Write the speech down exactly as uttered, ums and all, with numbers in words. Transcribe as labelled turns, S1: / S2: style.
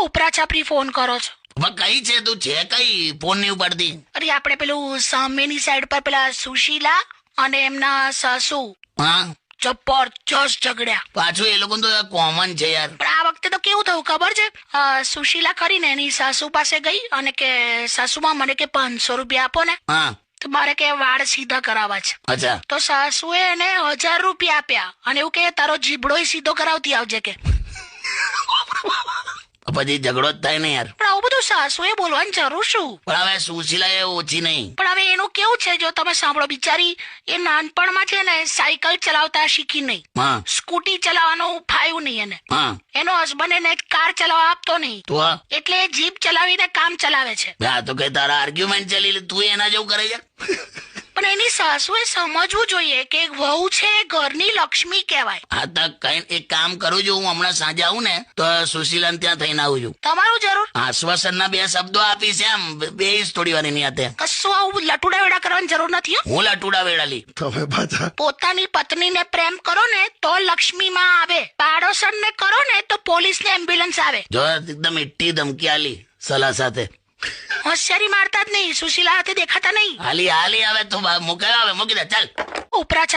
S1: ઉપરા છાપરી phone કરો છો?
S2: હવે કઈ છે તું? છે કઈ ફોન નહીં ઉપાડતી?
S1: અરે આપણે પેલું સામેની સાઈડ પર પેલા સુશીલા અને એમના સાસુ
S2: હા
S1: જબરજસ્ત ઝઘડ્યા.
S2: પાછું એ લોકો તો કોમન છે યાર.
S1: પણ આ વખતે તો કેવું થયું ખબર છે? અ, સુશીલા કરીને એની સાસુ પાસે ગઈ અને કે સાસુમાં મને કે પાંચસો રૂપિયા આપો ને,
S2: હા
S1: તો મારે કે વાળ સીધા કરાવવા છે.
S2: અચ્છા
S1: તો સાસુએ એને હજાર રૂપિયા આપ્યા અને એવું કે તારો જીબડો સીધો કરાવતી આવજે કે.
S2: પછી ઝઘડો જ થાય ને યાર.
S1: પણ આવું બધું સાસુએ બોલવાની જરૂર શું?
S2: પણ હવે સુશીલા એ ઓછી નહીં.
S1: પણ હવે એનું કેવું છે જો તમે સાંભળો, બિચારી એ નાનપણમાં છે ને સાયકલ ચલાવતા શીખી નહીં,
S2: હા
S1: સ્કૂટી ચલાવવાનું ફાયું નહીં એને.
S2: હા
S1: એનો હસબન્ડ એને કાર ચલાવવા આપતો નહીં,
S2: તો આ
S1: એટલે એ જીપ ચલાવીને કામ ચલાવે છે.
S2: આ તો કઈ તારા આર્ગ્યુમેન્ટ ચાલી લે, તું એના જેવું કરે છે.
S1: પણ એની સાસુએ સમજવું જોઈએ કે એક વહુ છે એ ઘરની લક્ષ્મી કહેવાય.
S2: હા તો કઈ એક કામ કરું છું, હું હમણાં સાંજે આવું ને તો સુશીલા ત્યાં થઈને આવું છું.
S1: તમારું જરૂર
S2: આશ્વાસનના બે શબ્દો આપીશ એમ બે થોડી વાર એની હાથે.
S1: કશું આવું લટુડા વેડા કરવાની જરૂર નથી હો.
S2: હું લટુડા વેડાલી.
S3: તમે પાછા
S1: પોતાની પત્નીને પ્રેમ કરો ને તો લક્ષ્મી માં આવે, પાડોશણને કરો ને તો પોલીસ ને એમ્બ્યુલન્સ આવે.
S2: જો એકદમ ઈટ્ટી ધમકી આલી સલાહ સાથે.
S1: હોશિયારી મારતા જ નહીં, સુશીલા હાથે દેખાતા નહીં.
S2: હાલી હાલી આવે તો મૂકે આવે મૂકી દે ચાલ.
S1: ઉપરા